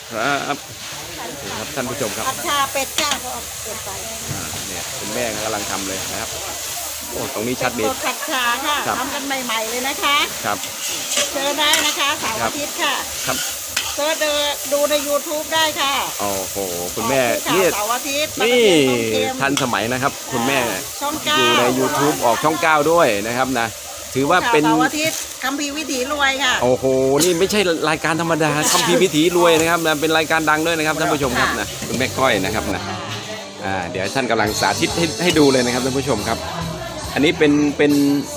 ครับครับท่านผู้ชมครับผัดชาเป็ดจ้าก็เก็บไปเนี่ยคุณแม่กำลังทำเลยนะครับโอ้ตรงนี้ชัดดีผัดชาค่ะทำกันใหม่ๆเลยนะคะครับเจอได้นะคะเสาร์อาทิตย์ค่ะครับเจอดูใน YouTube ได้ค่ะโอ้โหคุณแม่นี่เสาร์อาทิตย์นี่ทันสมัยนะครับคุณแม่ช่องอยู่ใน YouTube ออกช่อง9ด้วยนะครับนะถือว่าเป็นเสาร์อาทิตย์คัมภีร์วิถีรวยค่ะโอ้โหนี่ไม่ใช่รายการธรรมดาคัมภีร์วิถีรวยนะครับนะเป็นรายการดังด้วยนะครับท่านผู้ชมครับนะคุณแม่ก้อยนะครับนะเดี๋ยวท่านกำลังสาธิตให้ดูเลยนะครับท่านผู้ชมครับอันนี้เป็น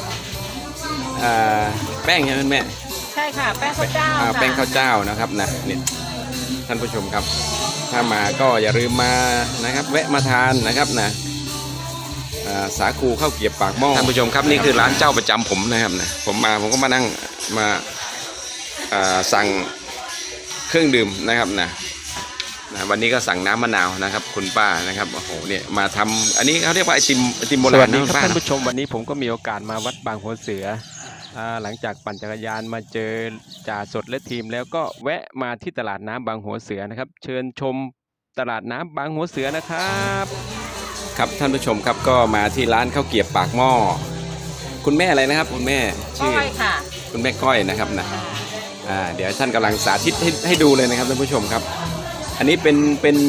แป้งใช่ไหมแม่ใช่ค่ะแป้งข้าวเจ้าแป้งข้าวเจ้านะครับนะเนี่ยท่านผู้ชมครับถ้ามาก็อย่าลืมมานะครับแวะมาทานนะครับนะสาคูข้าวเกรี๊ยวปากหม้อท่านผู้ชมครับนี่คือร้านเจ้าประจำผมนะครับนะผมก็มานั่งมาสั่งเครื่องดื่มนะครับนะวันนี้ก็สั่งน้ำมะนาวนะครับคุณป้านะครับโอ้โหเนี่ยมาทำอันนี้เขาเรียกว่าไอติมโบราณสวัสดีครับท่านผู้ชมวันนี้ผมก็มีโอกาสมาวัดบางหัวเสือหลังจากปั่นจักรยานมาเจอจ่าสดและทีมแล้วก็แวะมาที่ตลาดน้ำบางหัวเสือนะครับเชิญชมตลาดน้ำบางหัวเสือนะครับครับท่านผู้ชมครับก็มาที่ร้านข้าวเกรี๊ยวปากหม้อคุณแม่อะไรนะครับคุณแม่ชื่อค่ะคุณแม่ก้อยนะครับนะเดี๋ยวท่านกำลังสาธิตให้ดูเลยนะครับท่านผู้ชมครับอันนี้เป็น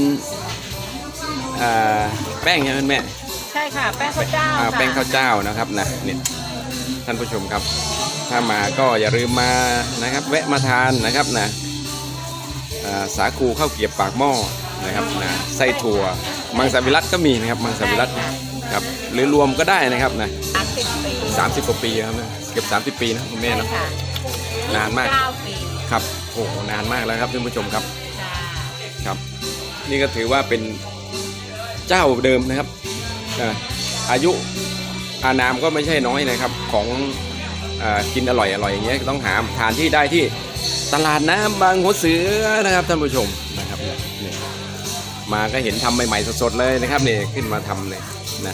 แป้งใช่ไหมแม่ใช่ค่ะแป้งข้าวเจ้าแป้งข้าวเจ้านะครับนะเนี่ยท่านผู้ชมครับถ้ามาก็อย่าลืมมานะครับแวะมาทานนะครับนะสาคูข้าวเกรี๊ยวปากหม้อนะครับนะไส้ถั่วมังสวิรัติก็มีนะครับมังสวิรัติครับหรือรวมก็ได้นะครับนะ30 กว่าปีครับเกือบ30 ปีนะคุณแม่เนาะนานมากครับโอ้นานมากแล้วครับท่านผู้ชมครับครับนี่ก็ถือว่าเป็นเจ้าเดิมนะครับอายุอานามก็ไม่ใช่น้อยนะครับของกินอร่อยอย่างเงี้ยต้องหาทานที่ได้ที่ตลาดน้ำบางหัวเสือนะครับท่านผู้ชมนะครับเนี่ยมาก็เห็นทำใหม่ๆสดๆเลยนะครับเนี่ยขึ้นมาทำเลยนะ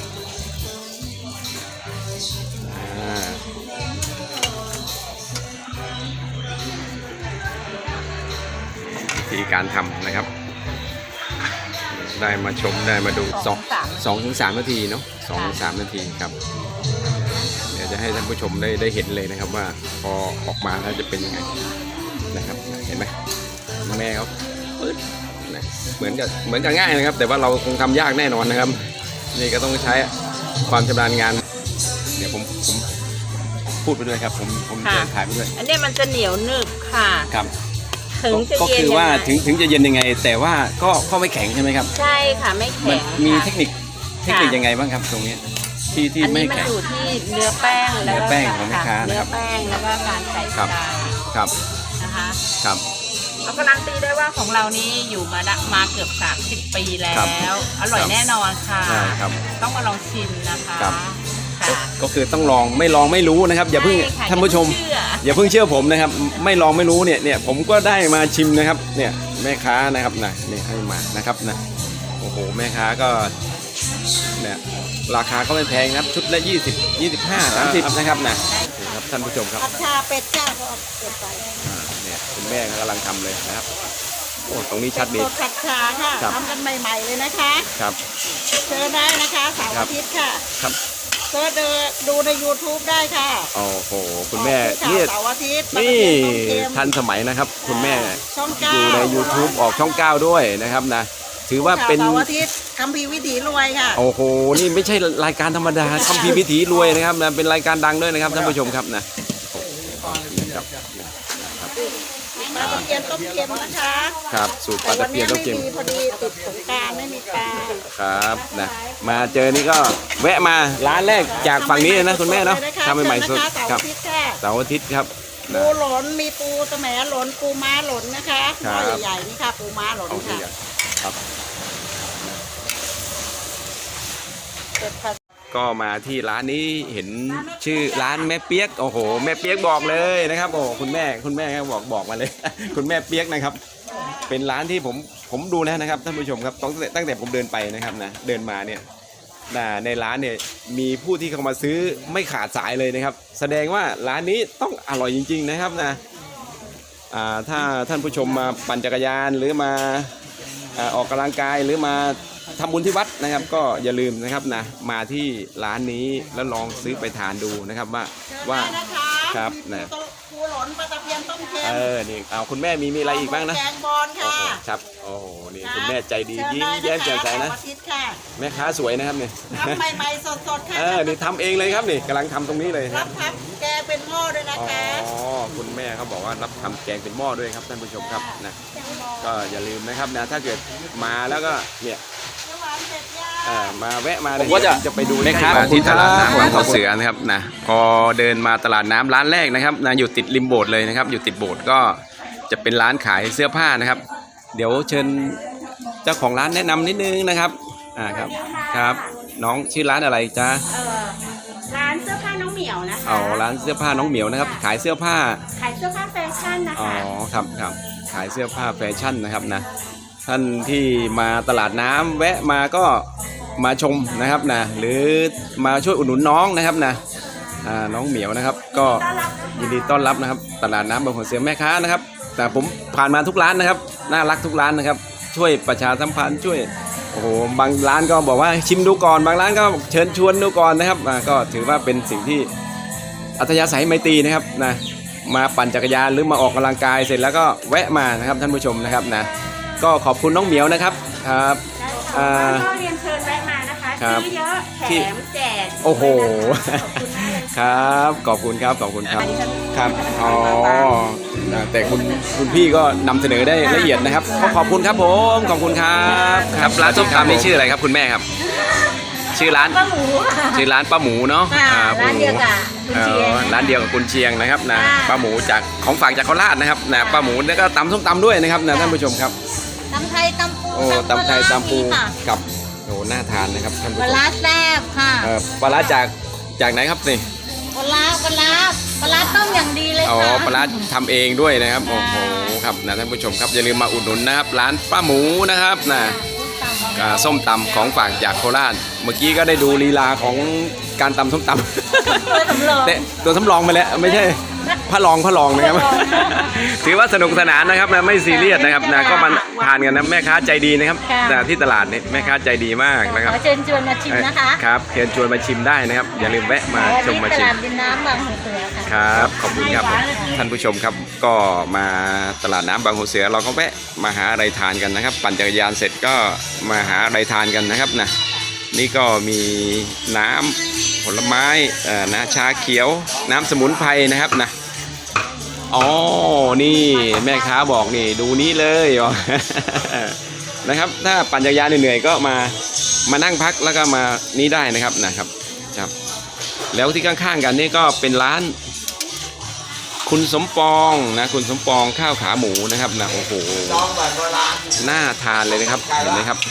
วิธีการทำนะครับได้มาชมได้มาดู2 ถึง 3 นาทีเนาะ2 ถึง 3 นาทีครับเดี๋ยวจะให้ท่านผู้ชมได้เห็นเลยนะครับว่าพอออกมาแล้วจะเป็นยังไงนะครับเห็นไหมแม่เขาปึ๊ดเหมือนกับง่ายนะครับแต่ว่าเราคงทำยากแน่นอนนะครับนี่ก็ต้องใช้ความชำนาญงานเดี๋ยวผมพูดไปด้วยครับผมจะถ่ายไปด้วยอันนี้มันจะเหนียวหนึบค่ะครับก็คือว่าถึงจะเย็นยังไงแต่ว่าก็ไม่แข็งใช่ไหมครับใช่ค่ะไม่แข็งมีเทคนิคยังไงบ้างครับตรงนี้ที่ไม่แข็งอันนี้มันอยู่ที่เนื้อแป้งเนื้อแป้งของแม่ค้านะครับเนื้อแป้งแล้วก็การใส่ใจครับนะคะครับเราการันตีได้ว่าของเรานี้อยู่มาเกือบ30 ปีแล้วอร่อยแน่นอนค่ะต้องมาลองชิมนะคะก็คือต้องลองไม่ลองไม่รู้นะครับอย่าเพิ่งท่านผู้ชมอย่าเพิ่งเชื่อผมนะครับไม่ลองไม่รู้เนี่ยผมก็ได้มาชิมนะครับเนี่ยแม่ค้านะครับนะเนี่ยให้มานะครับนะโอ้โหแม่ค้าก็เนี่ยราคาก็ไม่แพงครับชุดละ20 25 30นะครับนะครับท่านผู้ชมครับผัดชาเป็ดจ้าก็เก็บไปเนี่ยคุณแม่กำลังทำเลยนะครับโอ้ตรงนี้ชัดดีผัดชาค่ะทำกันใหม่ๆเลยนะคะครับเจอได้นะคะเสาร์อาทิตย์ค่ะครับก็ดูใน YouTube ได้ค่ะโอ้โหคุณแม่นี่เสาร์อาทิตย์นี่ทันสมัยนะครับคุณแม่อยู่ใน YouTube ออกช่อง9ด้วยนะครับนะถือว่าเป็นเสาร์อาทิตย์คัมภีร์วิถีรวยค่ะโอ้โหนี่ไม่ใช่รายการธรรมดาคัมภีร์วิถีรวยนะครับนะเป็นรายการดังด้วยนะครับท่านผู้ชมครับนะปลาตะเพียนต้มเค็มนะคะครับสูตรปลาตะเพียนต้มเค็มพอดีติดสงกรานต์ไม่มีปลาครับนะมาเจอนี่ก็แวะมาร้านแรกจากฝั่งนี้นะคุณแม่เนาะทำใหม่ๆสดครับเสาร์อาทิตย์ครับปูหล่นมีปูตะแหมหล่นปูม้าหล่นนะคะตัวใหญ่ๆนี่ค่ะปูม้าหล่นค่ะครับก็มาที่ร้านนี้เห็นชื่อร้านแม่เปี๊ยกโอ้โหแม่เปี๊ยกบอกเลยนะครับโอ้คุณแม่บอกมาเลยคุณแม่เปี๊ยกนะครับเป็นร้านที่ผมดูแล้วนะครับท่านผู้ชมครับตั้งแต่ผมเดินไปนะครับนะเดินมาเนี่ยในร้านเนี่ยมีผู้ที่เข้ามาซื้อไม่ขาดสายเลยนะครับแสดงว่าร้านนี้ต้องอร่อยจริงๆนะครับนะถ้าท่านผู้ชมมาปั่นจักรยานหรือมาออกกำลังกายหรือมาทำบุญที่วัดนะครับก็อย่าลืมนะครับนะมาที่ร้านนี้แล้วลองซื้อไปทานดูนะครับว่าครับนะปูหลนปลาตะเพียนต้มเค็มนี่เอาคุณแม่มีอะไรอีกบ้างนะแกงบอลค่ะครับโอ้โหนี่คุณแม่ใจดียิ้มแย้มแจ่มใสนะแม่ค้าสวยนะครับเนี่ยทำใหม่ๆสดๆค่ะนี่ทำเองเลยครับนี่กำลังทำตรงนี้เลยรับทำแกงเป็นหม้อด้วยนะคะคุณแม่เขาบอกว่ารับทำแกงเป็นหม้อด้วยครับท่านผู้ชมครับนะก็อย่าลืมนะครับนะถ้าเกิดมาแล้วก็เนี่ยมาแวะมาเลยจะไปดูนะครับที่ตลาดน้ำบางหัวเสือนะครับนะพอเดินมาตลาดน้ำร้านแรกนะครับนะอยู่ติดริมโบสถ์เลยนะครับอยู่ติดโบสถ์ก็จะเป็นร้านขายเสื้อผ้านะครับเดี๋ยวเชิญเจ้าของร้านแนะนำนิดนึงนะครับครับน้องชื่อร้านอะไรจ๊ะร้านเสื้อผ้าน้องเหมียวนะคะร้านเสื้อผ้าน้องเหมียวนะครับขายเสื้อผ้าแฟชั่นนะคะครับขายเสื้อผ้าแฟชั่นนะครับนะท่านที่มาตลาดน้ำแวะมาก็มาชมนะครับนะหรือมาช่วยอุดหนุนน้องนะครับนะน้องเหมียวนะครับก็ยินดีต้อนรับนะครับตลาดน้ำบางหัวเสือแม่ค้านะครับแต่ผมผ่านมาทุกร้านนะครับน่ารักทุกร้านนะครับช่วยประชาสัมพันธ์ช่วยโอ้โหบางร้านก็บอกว่าชิมดูก่อนบางร้านก็เชิญชวนดูก่อนนะครับก็ถือว่าเป็นสิ่งที่อัธยาศัยไมตรีนะครับนะมาปั่นจักรยานหรือมาออกกำลังกายเสร็จแล้วก็แวะมานะครับท่านผู้ชมนะครับนะก็ขอบคุณน้องเหมียวนะครับครับก็เรียนเชิญแวะมานะคะซื้อเยอะแถมแจกโอ้โหครับขอบคุณครับครับแต่คุณพี่ก็นำเสนอได้ละเอียดนะครับขอบคุณครับผมขอบคุณครับครับร้านส้มตำนี่ชื่ออะไรครับคุณแม่ครับชื่อร้านป้าหมูชื่อร้านป้าหมูเนาะร้านเดียวกับคุณเชียงร้านเดียวกับคุณเชียงนะครับนะป้าหมูจากของฝากจากโคราชนะครับนะป้าหมูแล้วก็ตำส้มตำด้วยนะครับนะท่านผู้ชมครับตำไทยตำปูตำไทยตำปูกับน่าทานนะครับท่านผู้ชมปลาร้าแซ่บค่ะปลาร้าจากไหนครับนี่ปลาร้าต้มอย่างดีเลยค่ะปลาร้าทำเองด้วยนะครับโอ้โหครับนะท่านผู้ชมครับอย่าลืมมาอุดหนุนนะครับร้านป้าหมูนะครับนะส้มตำของฝากจากโคราชเมื่อกี้ก็ได้ดูลีลาของการตำส้มตำตัวสำรองไปแล้วไม่ใช่พระรองนะครับถือว่าสนุกสนานนะครับนะไม่ซีเรียสนะครับนะก็มาทานกันนะแม่ค้าใจดีนะครับที่ตลาดนี่แม่ค้าใจดีมากนะครับเชิญชวนมาชิมนะคะครับเชิญชวนมาชิมได้นะครับอย่าลืมแวะมาชมมาชิมตลาดดินน้ำบางหัวเสือค่ะครับขอบคุณครับท่านผู้ชมครับก็มาตลาดน้ำบางหัวเสือเราก็แวะมาหาอะไรทานกันนะครับปั่นจักรยานเสร็จก็มาหาอะไรทานกันนะครับนะนี่ก็มีน้ำผลไม้นะชาเขียวน้ำสมุนไพรนะครับนะนี่แม่ค้าบอกนี่ดูนี้เลยนะครับถ้าปั่นจักรยานเหนื่อยๆก็มานั่งพักแล้วก็มานี้ได้นะครับครับแล้วที่ข้างๆกันนี่ก็เป็นร้านคุณสมปองนะคุณสมปองข้าวขาหมูนะครับนะโอ้โหน่าทานเลยนะครับเห็นไหมครับ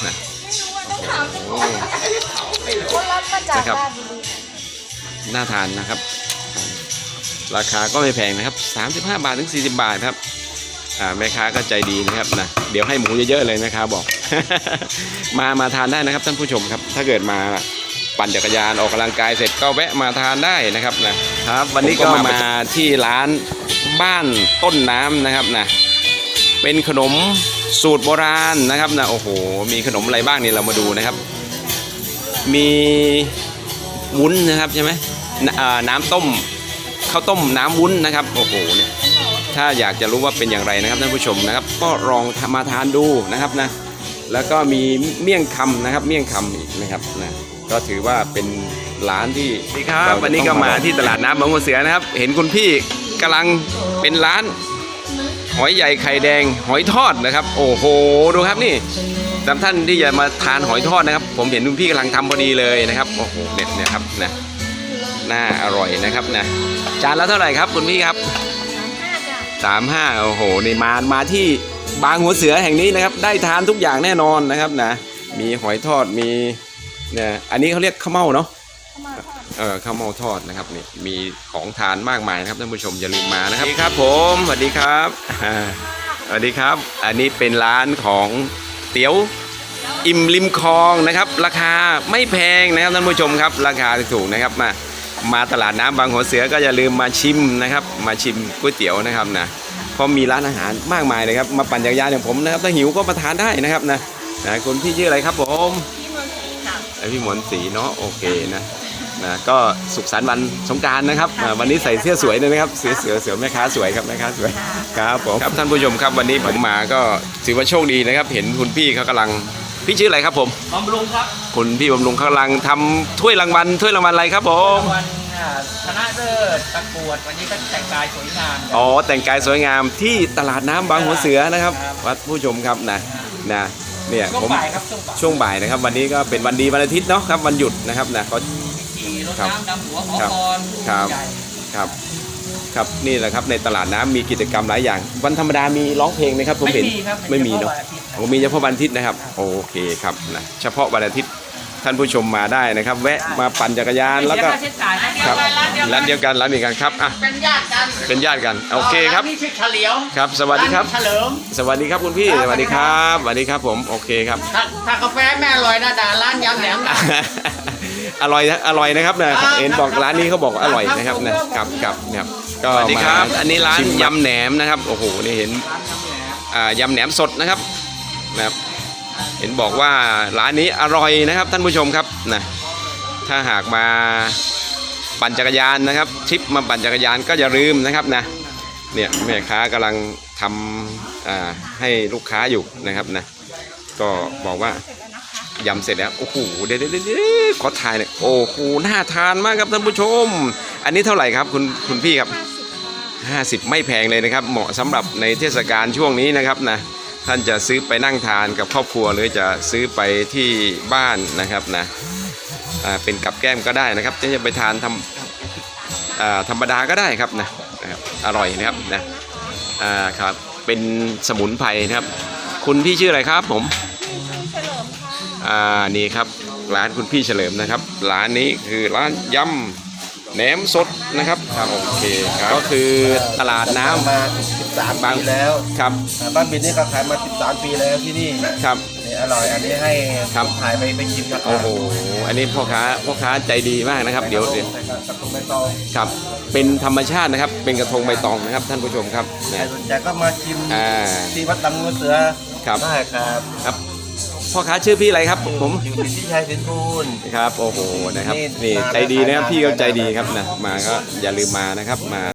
นะครับน่าทานนะครับราคาก็ไม่แพงนะครับ35 บาทถึง40 บาทครับแม่ค้าก็ใจดีนะครับนะเดี๋ยวให้หมูเยอะๆเลยแม่ค้าบอก มาทานได้นะครับท่านผู้ชมครับถ้าเกิดมาปั่นจักรยานออกกำลังกายเสร็จก็แวะมาทานได้นะครับนะครับวันนี้ก็มาที่ร้านบ้านต้นน้ำนะครับนะเป็นขนมสูตรโบราณนะครับนะโอ้โหมีขนมอะไรบ้างนี่เรามาดูนะครับมีวุ้นนะครับใช่ไหมน้ำต้มข้าวต้มน้ำวุ้นนะครับโอ้โหเนี่ยถ้าอยากจะรู้ว่าเป็นอย่างไรนะครับท่านผู้ชมนะครับก็ลองมาทานดูนะครับนะแล้วก็มีเมี่ยงคำนะครับเมี่ยงคำอีกนะครับนะก็ถือว่าเป็นร้านที่ครับวันนี้ก็มาที่ตลาดน้ำบางหัวเสือนะครับเห็นคุณพี่กำลังเป็นร้านหอยใหญ่ไข่แดงหอยทอดนะครับโอ้โหดูครับนี่สำหรับท่านที่จะมาทานหอยทอดนะครับผมเห็นคุณพี่กำลังทำพอดีเลยนะครับโอ้โหเนี่ยครับนะน่าอร่อยนะครับนะจานละเท่าไหร่ครับคุณพี่ครับ35โอ้โหนี่มาที่บางหัวเสือแห่งนี้นะครับได้ทานทุกอย่างแน่นอนนะครับนะมีหอยทอดมีเนี่ยอันนี้เขาเรียกข้าวเม่าเนาะข้าวเม่าทอดนะครับนี่มีของทานมากมายนะครับท่านผู้ชมอย่าลืมมานะครับสวัสดีครับผมสวัสดีครับสวัสดีครับอันนี้เป็นร้านของเตี๋ยวอิ่มริมคลองนะครับราคาไม่แพงนะครับท่านผู้ชมครับราคาถูกนะครับมาตลาดน้ำบางหัวเสือก็อย่าลืมมาชิมนะครับมาชิมก๋วยเตี๋ยวนะครับนะเพราะมีร้านอาหารมากมายเลยครับมาปั่นจักรยานอย่างผมนะครับถ้าหิวก็มาทานได้นะครับนะคุณพี่ชื่ออะไรครับผมพี่มนต์ศรีค่ะพี่หมอนศรีเนาะโอเคนะก็สุขสันต์วันสงกรานต์นะครับวันนี้ใส่เสื้อสวยเลยนะครับเสือแม่ค้าสวยครับแม่ค้าสวยครับผมครับท่านผู้ชมครับวันนี้ผมมาก็ถือว่าโชคดีนะครับเห็นคุณพี่เขากำลังพี่ชื่ออะไรครับผมบำรุงครับคุณพี่บำรุงเขากำลังทำถ้วยรางวัลอะไรครับผมรางวัลชนะเลิศประกวดวันนี้ก็แต่งกายสวยงามอ๋อแต่งกายสวยงามที่ตลาดน้ำบางหัวเสือนะครับวัดผู้ชมครับนะเนี่ยช่วงผมบ่ายครับช่วงบ่ายช่วงบ่ายนะครับวันนี้ก็เป็นวันดีวันอาทิตย์เนาะครับวันหยุดนะครับนะก็ขี่รถครับน้ำดำหัวขอครับพรผู้ครับใหญ่ครับนี่แหละครับในตลาดน้ำมีกิจกรรมหลายอย่างวันธรรมดามีร้องเพลงไหมครับผมเห็นครับไม่มีเนาะ ผมมีเฉพาะวันอาทิตย์นะครับโอเคครับนะเฉพาะวันอาทิตย์ท่านผู้ชมมาได้นะครับ แวะมาปั่นจักรยานแล้วก็ไม่เสียค่าใช้จ่ายนะครับร้านเดียวกันครับอ่ะเป็นญาติกันเป็นญาติกันโอเคครับานนี่ชื่อเฉลียวครับสวัสดีครับานนี้เฉลิมสวัสดีครับคุณพี่สวัสดีครับสวัสดีครับผมโอเคครับถ้ากาแฟแม่อร่อยนะด่าร้านยำแหนมนะอร่อยนะครับนะครับเห็นบอกร้านนี้เขาบอกว่าอร่อยนะครับนะครับนะครับก็สวัสดีครับอันนี้ร้านยำแหนมนะครับโอ้โหนี่เห็นยำแหนมสดนะครับเห็นบอกว่าร้านนี้อร่อยนะครับท่านผู้ชมครับนะถ้าหากมาปั่นจักรยานนะครับทริปมาปั่นจักรยานก็อย่าลืมนะครับนะเนี่ยแม่ค้ากำลังทำให้ลูกค้าอยู่นะครับนะก็บอกว่ายำเสร็จแล้วโอ้โหเดี๋ยวขอถ่ายหน่อยโอ้โหน่าทานมากครับท่านผู้ชมอันนี้เท่าไหร่ครับคุณพี่ครับ50ไม่แพงเลยนะครับเหมาะสำหรับในเทศกาลช่วงนี้นะครับนะท่านจะซื้อไปนั่งทานกับครอบครัวหรือจะซื้อไปที่บ้านนะครับนะเป็นกับแก้มก็ได้นะครับจะไปทานธรรมดาก็ได้ครับนะครับอร่อยนะครับครับเป็นสมุนไพรนะครับคุณพี่ชื่ออะไรครับผมนี่ครับร้านคุณพี่เฉลิมนะครับร้านนี้คือร้านยำแหนมสดนะครับครับโอเคครับก็คือตลาดน้ำมา13 ปีแล้วครับบ้านบินนี่ก็ขายมา13 ปีแล้วที่นี่ครับนี่อร่อยอันนี้ให้ครับถ่ายไปกินครับโอ้โหอันนี้พ่อค้าใจดีมากนะครับเดี๋ยวใส่กระทงใบตองครับเป็นธรรมชาตินะครับเป็นกระทงใบตองนะครับท่านผู้ชมครับใครนะสนใจก็มาชิม ที่วัดตำงูเสือครับได้ครับครับพ่อค้าชื่อพี่อะไรครับผมอยู่ที่ชัยสินทูลครับโอ้โหนะครับนี่นี่มาใจดีนะครับทานพี่เขาใจดีได้ครับนะมาก็อย่าลืมมานะครับมา